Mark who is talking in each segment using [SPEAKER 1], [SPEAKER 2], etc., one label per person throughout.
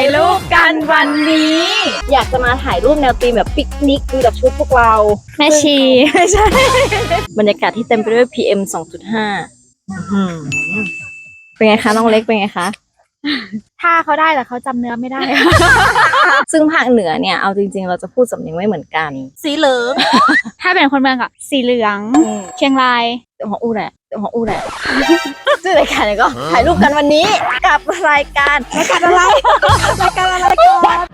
[SPEAKER 1] ายรูปกันวันนี้อยากจะมาถ่ายรูปแนวธีมแบบปิกนิกดูแบบชุดพวกเรา
[SPEAKER 2] แม่ชีไม่ใช่
[SPEAKER 1] บรรยากาศที่เต็มไปด้วย PM 2.5เป็นไงคะน้องเล็กเป็นไงคะ
[SPEAKER 2] ถ้าเขาได้แต่เขาจำเนื้อไม่ได้
[SPEAKER 1] ซึ่งภาคเหนือเนี่ยเอาจริงๆเราจะพูดสำเนียงไม่เหมือนกันสีเหลือง
[SPEAKER 2] ถ้าเป็นคนเมืองก็สีเหลืองเชียงราย
[SPEAKER 1] เดี๋ยวของอู้แหละชื่อรายการก็ถ่ายรูปกันวันนี้กับรายการอะไร รายการอะไรก่อน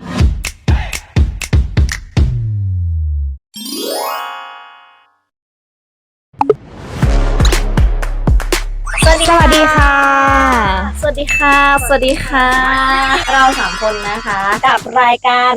[SPEAKER 1] สวัสดีค่ะสวัสดีค่ะเรา3คนนะคะกับรายการ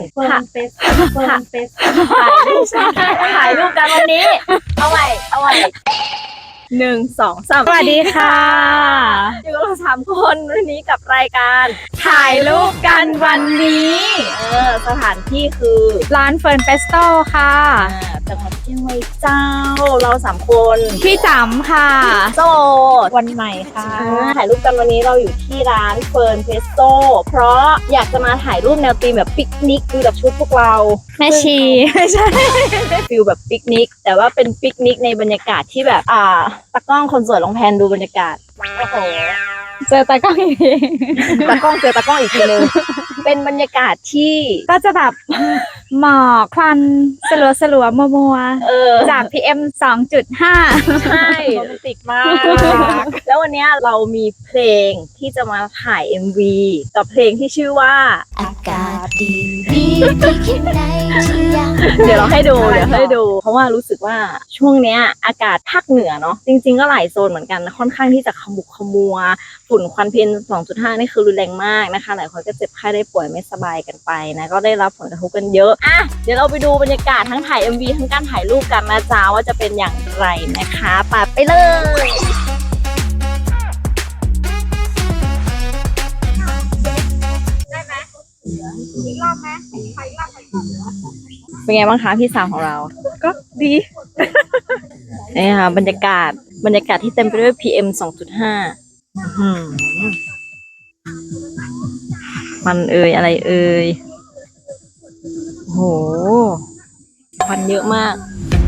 [SPEAKER 1] ถ่ายรูปกันวันนี้เอาใหม่1 2 3
[SPEAKER 2] สวัสดีค่ะ
[SPEAKER 1] อยู่กับเรา3 คนวันนี้กับรายการ
[SPEAKER 2] ถ่ายรูปกันวันนี้
[SPEAKER 1] สถานที่คือ
[SPEAKER 2] ร้านเฟิร์นเฟสโตค่ะ
[SPEAKER 1] จังหวัดเชียงใหม่เจ้าเรา3 คน
[SPEAKER 2] พี่จ๋ำค่ะ
[SPEAKER 1] โสด
[SPEAKER 2] วันใหม่ค่ะ
[SPEAKER 1] ถ่ายรูปกันวันนี้เราอยู่ที่ร้านเฟิร์นเฟสโตเพราะอยากจะมาถ่ายรูปแนวธีมแบบปิกนิกดูแบบชุดพวกเรา
[SPEAKER 2] แม่ชีไม่ใช่
[SPEAKER 1] ฟิลแบบปิกนิกแต่ว่าเป็นปิกนิกในบรรยากาศที่แบบตากล้องคนสวยลองแพนดูบรรยากาศโอ้โห
[SPEAKER 2] เจอตากล้องอีกที
[SPEAKER 1] ตากล้องเจอตากล้องอีกทีนึงเป็นบรรยากาศที่
[SPEAKER 2] ก็จะแบบหมอกควันสลัวมัวจาก PM 2.5
[SPEAKER 1] ใช่โรแมนติกมากแล้ววันนี้เรามีเพลงที่จะมาถ่าย MV กับเพลงที่ชื่อว่า
[SPEAKER 3] อากาศดีที่คิดในที่ยัง
[SPEAKER 1] เดี๋ยวเราให้ดูเพราะว่ารู้สึกว่าช่วงเนี้ยอากาศภาคเหนือเนาะจริงๆก็หลายโซนเหมือนกันค่อนข้างที่จะขมุกขมัวฝุ่นควัน PM 2.5 นี่คือรุนแรงมากนะคะหลายคนก็เจ็บไข้ได้ป่วยไม่สบายกันไปนะก็ได้รับผลกระทบกันเยอะเดี๋ยวเราไปดูบรรยากาศทั้งถ่าย MV ทั้งการถ่ายรูปกันนะจ๊ะว่าจะเป็นอย่างไรนะคะไปเลยได้ไหมอีกรอบไหมใครอีกรอบเป็นไงบ้างคะพี่สาวของเรา
[SPEAKER 2] ก็ดี
[SPEAKER 1] นี่ค่ะบรรยากาศที่เต็มไปด้วย PM 2.5มันอะไรโหควันเยอะมาก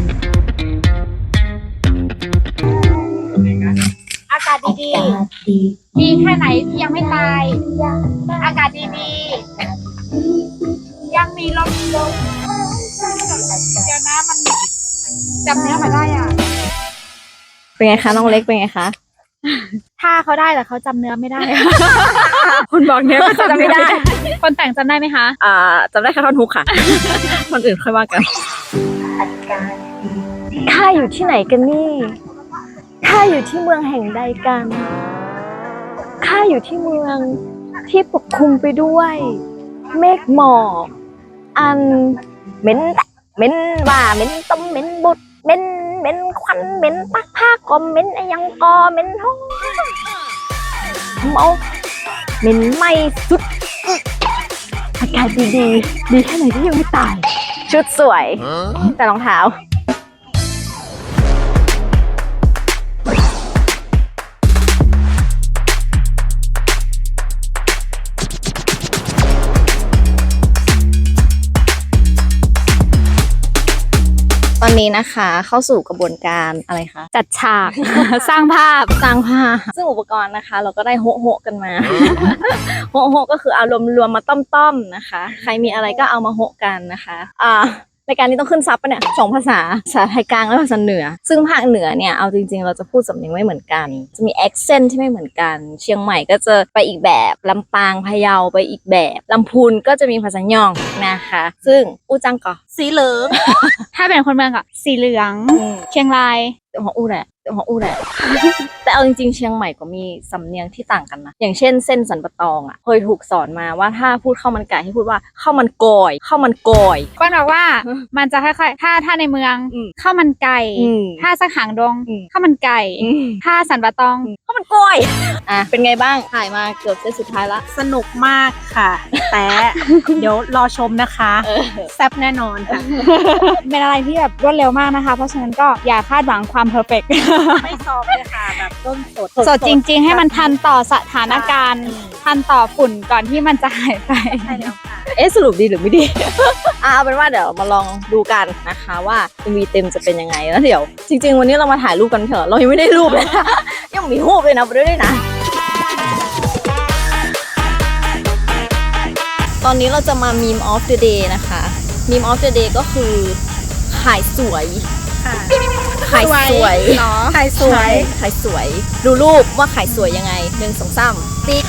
[SPEAKER 2] อากาศดีดีแค่ไหนที่ยังไม่ตายอากาศดียังมีลมเดี๋ยวนะมันจำเนื้อมาได้อ่ะ
[SPEAKER 1] เป็นไงคะน้องเล็กเป็นไงคะ
[SPEAKER 2] ถ้าเขาได้แต่เขาจำเนื้อไม่ได้คนบอกเนื้อก็จำไม่ได้คนแต่งจำได้ไหมคะ
[SPEAKER 1] จำได้แค่ท่อนฮุกค่ะคนอื่นค่อยว่ากันข้าอยู่ที่ไหนกันนี่ข้าอยู่ที่เมืองแห่งใดกันข้าอยู่ที่เมืองที่ปกคลุมไปด้วยเมฆหมอกอันเหม็นว่าเหม็นต้มเหม็นบุดเหม็นควันเหม็นปักผ้าก็เหม็นยังกอเหม็นท้องเมาเหม็นไหม้สุดอากาศดีแค่ไหนที่ยังไม่ตายชุดสวยแต่รองเท้าตอนนี้นะคะเข้าสู่กระบวนการอะไรคะ
[SPEAKER 2] จัดฉาก สร้างภาพ
[SPEAKER 1] ซึ่งอุปกรณ์นะคะเราก็ได้โฮะกันมา โฮะก็คือเอารวมมาต้มๆนะคะใครมีอะไรก็เอามาโฮะกันนะคะรายการนี้ต้องขึ้นซับปะเนี่ย2 ภาษาไทยกลางและภาษาเหนือซึ่งภาคเหนือเนี่ยเอาจริงๆเราจะพูดสำเนียงไม่เหมือนกันจะมีแอคเซนต์ที่ไม่เหมือนกันเชียงใหม่ก็จะไปอีกแบบลำปางพะเยาไปอีกแบบลำพูนก็จะมีภาษาย่องนะคะซึ่งอู้จังก็สีเหลือง
[SPEAKER 2] ถ้าเป็นคนเมืองก็สีเหลืองเชียงราย
[SPEAKER 1] ของอู้แหละแต่เอาจริงๆเชียงใหม่ก็มีสำเนียงที่ต่างกันนะอย่างเช่นเส้นสันปะตองเคยถูกสอนมาว่าถ้าพูดข้าวมันไก่ให้พูดว่าข้าวมันกอย
[SPEAKER 2] ก็บอกว่ามันจะค่อยๆถ้าในเมืองข้าวมันไก่ถ้าสักหางดงข้าวมันไก่ถ้าสันปะตอง
[SPEAKER 1] ข้าวมันกอยเป็นไงบ้างถ่ายมาเกือบเส้นสุดท้ายละ
[SPEAKER 4] สนุกมากค่ะแต่เดี๋ยวรอชมนะคะแซ่บแน่นอนค่ะ
[SPEAKER 2] เป็นอะไรที่แบบรวดเร็วมากนะคะเพราะฉะนั้นก็อย่าคาดหวังความเพอร์เฟกต์
[SPEAKER 4] ไม่ซ้อมเลยค่ะแบบต้นสด
[SPEAKER 2] สดจริง ๆ ให้มันทันต่อสถานการณ์ ทันต่อฝุ่นก่อนที่มันจะหายไป
[SPEAKER 4] ใช่แล้วค่ะ
[SPEAKER 1] สรุปดีหรือไม่ดี เอาเป็นว่าเดี๋ยวมาลองดูกันนะคะว่า MV เต็มจะเป็นยังไงแล้วเดี๋ยว จริง ๆ วันนี้เรามาถ่ายรูปกันเถอะเรายังไม่ได้รูปเลยนะ ยังมีรูปเลยนะไปด้วยนะ ตอนนี้เราจะมา meme of the day นะคะ meme of the day ก็คือขายสวย
[SPEAKER 4] ค่ะ
[SPEAKER 1] ขายสวย
[SPEAKER 2] เนาะ
[SPEAKER 4] ถ่ายสวย
[SPEAKER 1] ขายสวย ดูรูปว่าขายสวยยังไง1 2 3ติ๊ก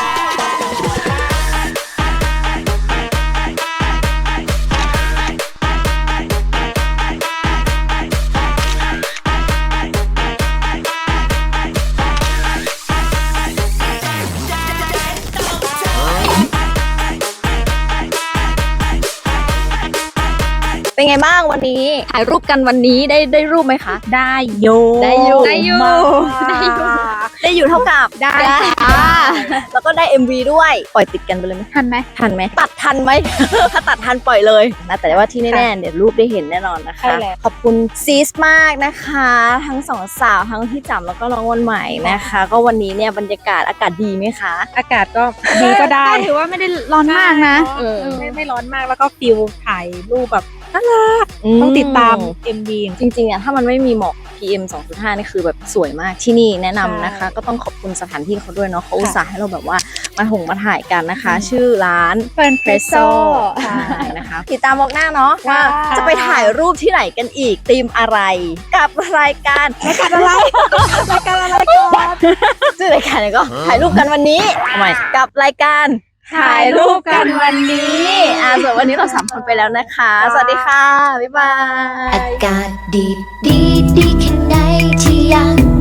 [SPEAKER 1] เป็นไงบ้างวันนี้ถ่ายรูปกันวันนี้ได้รูปไหมคะ
[SPEAKER 4] ได้โย
[SPEAKER 1] ได้อยู่
[SPEAKER 2] ได้อยู่
[SPEAKER 4] มาก
[SPEAKER 1] ได้อยู่เท่ากับ
[SPEAKER 2] ได้
[SPEAKER 1] แล้วก็ได้ MV ด้วยปล่อยติดกันไปเลยไหม
[SPEAKER 2] ทันไหม
[SPEAKER 1] ทันไหมตัดทันไหม ถ้าตัดทันปล่อยเลยนะแต่ว่าที่แน่ๆเดี๋ยวรูปได้เห็นแน่นอนนะคะ
[SPEAKER 4] ใช่แล้ว
[SPEAKER 1] ขอบคุณซีสมากนะคะ ทั้งสองสาวทั้งพี่จ๋ำแล้วก็น้องวันใหม่นะคะ ก็วันนี้เนี่ยบรรยากาศอากาศดีไหมคะ
[SPEAKER 4] อากาศก็ดีก็ได้
[SPEAKER 2] ถือว่าไม่ได้ร้อนมากนะ
[SPEAKER 1] เออ
[SPEAKER 4] ไม่ร้อนมากแล้วก็ฟิลถ่ายรูปแบบน่ารักต้องติดตาม MV
[SPEAKER 1] จริงๆอ่ะถ้ามันไม่มีหมอก PM 2.5 นี่คือแบบสวยมากที่นี่แนะนำนะคะ ก็ต้องขอบคุณสถานที่เขาด้วยเนาะเขาอุตส่าห์ให้เราแบบว่ามาถ่ายกันนะคะ ชื่อร้าน
[SPEAKER 2] เฟิร์น
[SPEAKER 1] เฟรโซใช่นะคะติดตามบอกหน้าเนาะว่าจะไปถ่ายรูปที่ไหนกันอีกธีมอะไรกับรายการอะไร
[SPEAKER 4] รายการอะไรก่อน
[SPEAKER 1] ชื่อรายการเนี่ยก็ถ่ายรูปกันวันนี้ทำไมกับรายการ
[SPEAKER 2] ถ่ายรูปกันวันนี้
[SPEAKER 1] ส่วนวันนี้เรา3 คนไปแล้วนะคะ สวัสดีค่ะ บ๊ายบาย
[SPEAKER 3] อากาศดีดีดีแค่ไหนที่ยัง